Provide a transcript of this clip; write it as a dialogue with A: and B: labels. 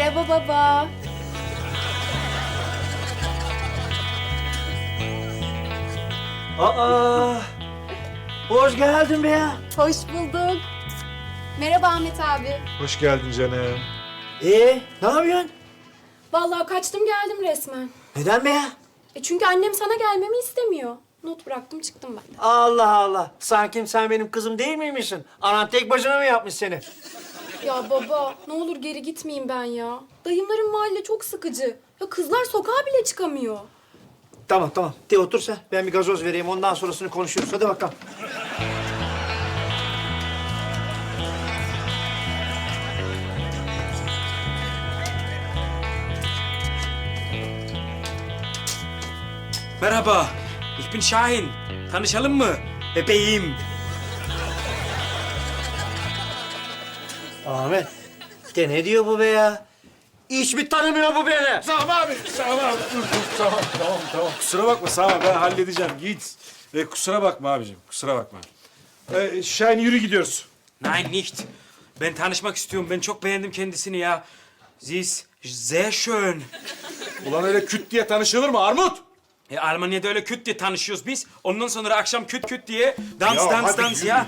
A: Merhaba baba.
B: Aa, hoş geldin be ya.
A: Hoş bulduk. Merhaba Ahmet abi.
C: Hoş geldin canım.
B: Ne yapıyorsun?
A: Vallahi kaçtım geldim resmen.
B: Neden be ya?
A: Çünkü annem sana gelmemi istemiyor. Not bıraktım çıktım ben de.
B: Allah Allah. Sanki sen benim kızım değil miymişsin? Anan tek başına mı yapmış seni?
A: Ya baba ne olur geri gitmeyeyim ben ya. Dayımların mahalle çok sıkıcı. Ya kızlar sokağa bile çıkamıyor.
B: Tamam tamam. De otur sen. Ben bir gazoz vereyim. Ondan sonrasını konuşuruz. Hadi bakalım.
D: Merhaba, ich bin Şahin. Tanışalım mı? Bebeğim.
B: Ahmet. De ne diyor bu be ya? Hiç mi tanımıyor bu beni?
C: Sami abi, Sami abi. Dur, tamam. Kusura bakma Sami, ben halledeceğim. Git. Kusura bakma abicim, kusura bakma. Şahin yürü gidiyoruz.
D: Nein, nicht. Ben tanışmak istiyorum. Ben çok beğendim kendisini ya. Sie ist sehr schön.
C: Ulan öyle küt diye tanışılır mı Armut?
D: Almanya'da öyle küt diye tanışıyoruz biz. Ondan sonra akşam küt küt diye dans
C: Ya
D: dans
C: hadi
D: dans
C: yürü.
D: ya.